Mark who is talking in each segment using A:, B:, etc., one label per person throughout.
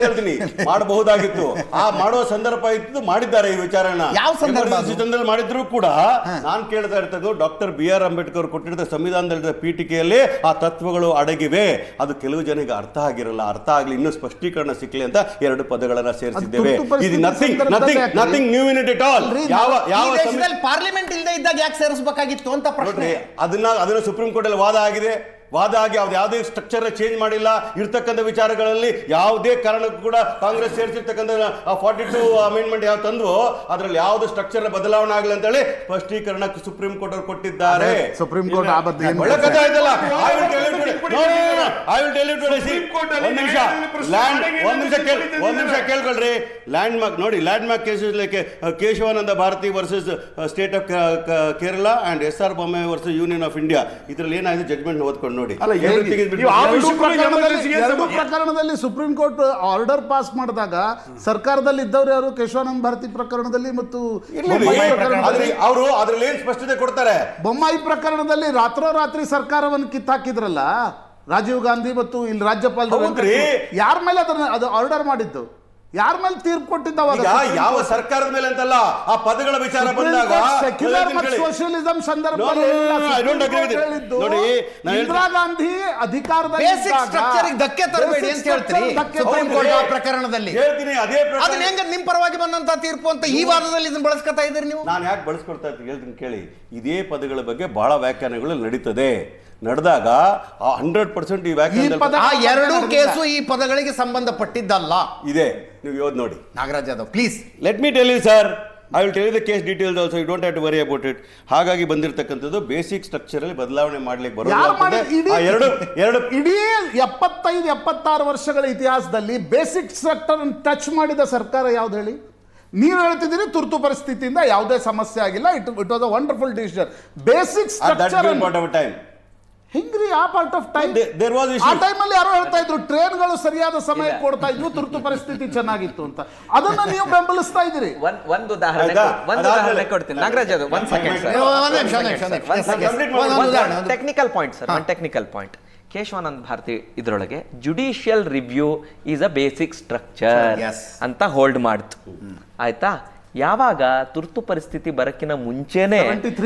A: ಹೇಳ್ತೀನಿ ಮಾಡಬಹುದಾಗಿತ್ತು. ಆ ಮಾಡುವ ಸಂದರ್ಭ ಇತ್ತು, ಮಾಡಿದ್ದಾರೆ ಈ ವಿಚಾರನ.
B: ಯಾವ ಸಂದರ್ಭದಲ್ಲಿ
A: ಮಾಡಿದ್ರು ಕೂಡ ನಾನು ಕೇಳ್ತಾ ಇರ್ತದ್ದು ಡಾಕ್ಟರ್ BR ಅಂಬೇಡ್ಕರ್ ಕೊಟ್ಟಿದ್ದ ಸಂವಿಧಾನದ ಪೀಠಿಕೆಯಲ್ಲಿ ಆ ತತ್ವಗಳು ಅಡಗಿವೆ. ಅದು ಕೆಲವು ಜನರಿಗೆ ಅರ್ಥ ಆಗಿರಲ್ಲ. ಅರ್ಥ ಆಗ್ಲಿ, ಇನ್ನೂ ಸ್ಪಷ್ಟೀಕರಣ ಸಿಕ್ಲಿ ಅಂತ 2 ಪದಗಳನ್ನ ಸೇರಿಸಿದ್ದೇವೆ. ಇದು nothing new in it all. ಯಾವ
B: ಪಾರ್ಲಿಮೆಂಟ್ ಇಲ್ಲದೆ ಇದ್ದಾಗ ಯಾಕೆ ಸೇರಿಸಬೇಕಾಗಿತ್ತು ಅಂತ ಪ್ರಶ್ನೆ.
A: ಅದನ್ನ ಸುಪ್ರೀಂ ಕೋರ್ಟ್ ಅಲ್ಲಿ ವಾದ ಆಗಿದೆ. ವಾದ ಆಗಿ ಯಾವುದೇ ಸ್ಟ್ರಕ್ಚರ್ ಚೇಂಜ್ ಮಾಡಿಲ್ಲ. ಇರ್ತಕ್ಕಂಥ ವಿಚಾರಗಳಲ್ಲಿ ಯಾವುದೇ ಕಾರಣಕ್ಕೂ ಕೂಡ ಕಾಂಗ್ರೆಸ್ ಸೇರಿಸಿರ್ತಕ್ಕಂಥ 42 ಅಮೆಂಡ್ಮೆಂಟ್ ಯಾವ ತಂದ್ವು ಅದರಲ್ಲಿ ಯಾವುದೇ ಸ್ಟ್ರಕ್ಚರ್ ಬದಲಾವಣೆ ಆಗಲಿ ಅಂತ ಹೇಳಿ ಸ್ಪಷ್ಟೀಕರಣ ಸುಪ್ರೀಂ ಕೋರ್ಟ್ ಅವರು ಕೊಟ್ಟಿದ್ದಾರೆ.
C: ಸುಪ್ರೀಂ ಕೋರ್ಟ್
A: ಒಂದ್ ನಿಮಿಷ ಕೇಳ್ಕೊಳ್ರಿ. ಲ್ಯಾಂಡ್ ಮಾರ್ಕ್ ನೋಡಿ, landmark cases like Keshavananda Bharati versus state of Kerala and SR Bommai versus union of India. ಇದ್ರಲ್ಲಿ ಏನಾಗಿದೆ ಜಡ್ಜ್ಮೆಂಟ್ ಓದ್ಕೊಂಡು ನೋಡಿ.
C: ಪ್ರಕರಣದಲ್ಲಿ ಸುಪ್ರೀಂ ಕೋರ್ಟ್ ಆರ್ಡರ್ ಪಾಸ್ ಮಾಡಿದಾಗ ಸರ್ಕಾರದಲ್ಲಿ ಇದ್ದವ್ರು ಯಾರು? ಕೇಶವಾನಂದ ಭಾರತಿ ಪ್ರಕರಣದಲ್ಲಿ ಮತ್ತು
A: ಅವರು ಅದ್ರಲ್ಲಿ ಏನ್ ಸ್ಪಷ್ಟತೆ ಕೊಡ್ತಾರೆ?
C: ಬೊಮ್ಮಾಯಿ ಪ್ರಕರಣದಲ್ಲಿ ರಾತ್ರೋರಾತ್ರಿ ಸರ್ಕಾರವನ್ನು ಕಿತ್ತಾಕಿದ್ರಲ್ಲ ರಾಜೀವ್ ಗಾಂಧಿ ಮತ್ತು ಇಲ್ಲಿ ರಾಜ್ಯಪಾಲರು. ಯಾರ ಮೇಲೆ ಅದು ಆರ್ಡರ್ ಮಾಡಿದ್ದು? ಯಾರ ಮೇಲೆ ತೀರ್ಪು ಕೊಟ್ಟಿದ್ದವಾಗ?
A: ಯಾವ ಸರ್ಕಾರದ ಮೇಲೆ ಅಂತಲ್ಲ, ಆ ಪದಗಳ ವಿಚಾರ ಬಂದಾಗ
C: ಸೋಷಿಯಲಿಸಂ ಸಂದರ್ಭದಲ್ಲಿ ಇಂದಿರಾ ಗಾಂಧಿ ಅಧಿಕಾರದಲ್ಲಿ
B: ಧಕ್ಕೆ ತರಬೇಡಿ ಅಂತ ಹೇಳ್ತೀರಿ ಸುಪ್ರೀಂ ಕೋರ್ಟ್ ಆ ಪ್ರಕರಣದಲ್ಲಿ.
A: ಹೇಳ್ತೀನಿ ಅದೇ
B: ಅದನ್ನ ಹೆಂಗ ನಿಮ್ ಪರವಾಗಿ ಬಂದಂತ ತೀರ್ಪು ಅಂತ ಈ ವಾದದಲ್ಲಿ ಇದನ್ನ ಬಳಸ್ಕೊತಾ ಇದ್ದೀರಿ ನೀವು.
A: ನಾನು ಯಾಕೆ ಬಳಸ್ಕೊಡ್ತಾ ಇದ್ದೀನಿ ಹೇಳ್ತೀನಿ ಕೇಳಿ. ಇದೇ ಪದಗಳ ಬಗ್ಗೆ ಬಹಳ ವ್ಯಾಖ್ಯಾನಗಳು ನಡೀತದೆ. ನಡೆದಾಗ 100% ಈ ವ್ಯಾಖ್ಯಾನ
B: ಎರಡೂ ಕೇಸು ಈ ಪದಗಳಿಗೆ ಸಂಬಂಧಪಟ್ಟಿದ್ದಲ್ಲ
A: ಇದೆ. ನೀವು ಯೋದ್ ನೋಡಿ.
B: Nagaraj Yadav please
A: let me tell you sir, I will tell you the case details also. You don't have to worry about it. ಹಾಗಾಗಿ ಬಂದಿರತಕ್ಕಂಥದ್ದು ಬೇಸಿಕ್ ಸ್ಟ್ರಕ್ಚರ್ ಅಲ್ಲಿ ಬದಲಾವಣೆ ಮಾಡ್ಲಿಕ್ಕೆ
C: ಬರೋದು. ಇಡೀ 75-76 ವರ್ಷಗಳ ಇತಿಹಾಸದಲ್ಲಿ ಬೇಸಿಕ್ ಸ್ಟ್ರಕ್ಚರ್ ಟಚ್ ಮಾಡಿದ ಸರ್ಕಾರ ಯಾವ್ದು ಹೇಳಿ? ನೀವು ಹೇಳ್ತಿದ್ದೀರಿ ತುರ್ತು ಪರಿಸ್ಥಿತಿಯಿಂದ ಯಾವುದೇ ಸಮಸ್ಯೆ ಆಗಿಲ್ಲ. It was a wonderful decision. Basic structure ಹೆಂಗ್ರಿ ಆ ಪಾರ್ಟ್ ಆಫ್ ಟೈಮ್? ಆ ಟೈಮಲ್ಲಿ ಯಾರೋ ಹೇಳ್ತಾ ಇದ್ರು ಟ್ರೈನ್ಗಳು ಸರಿಯಾದ ಸಮಯ ಕೊಡ್ತಾ ಇದ್ವು, ತುರ್ತು ಪರಿಸ್ಥಿತಿ ಚೆನ್ನಾಗಿತ್ತು ಅಂತ. ಅದನ್ನ ನೀವು ಬೆಂಬಲಿಸ್ತಾ ಇದ್ದೀರಿ.
D: ಒಂದು ಉದಾಹರಣೆ ಕೊಡ್ತೀನಿ ನಾಗರಾಜ್. ಅದು technical point sir, technical point. Keshavananda Bharati ಇದರೊಳಗೆ judicial review is a basic structure ಅಂತ ಹೋಲ್ಡ್ ಮಾಡ್ತು. ಆಯ್ತಾ? ಯಾವಾಗ ತುರ್ತು ಪರಿಸ್ಥಿತಿ ಬರಕ್ಕಿನ ಮುಂಚೆನೆ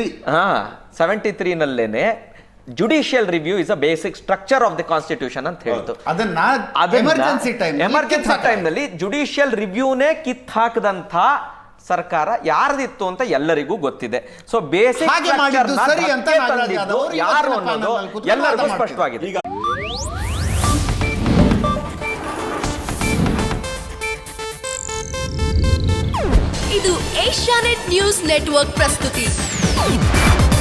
D: 73 ನಲ್ಲೇನೆ judicial review is a basic structure of the constitution ಅಂತ ಹೇಳ್ತು. ಎಮರ್ಜೆನ್ಸಿ ಟೈಮ್ ನಲ್ಲಿ ಜುಡಿಷಿಯಲ್ ರಿವ್ಯೂನೇ ಕಿತ್ ಹಾಕದಂತ ಸರ್ಕಾರ ಯಾರ್ದಿತ್ತು ಅಂತ ಎಲ್ಲರಿಗೂ ಗೊತ್ತಿದೆ. ಸೊ ಬೇಸಿಕ್ ಯಾರು ಅನ್ನೋದು ಎಲ್ಲರಿಗೂ ಸ್ಪಷ್ಟವಾಗಿದೆ.
E: ಇದು ಏಷ್ಯಾನೆಟ್ ನ್ಯೂಸ್ ನೆಟ್ವರ್ಕ್ ಪ್ರಸ್ತುತಿ.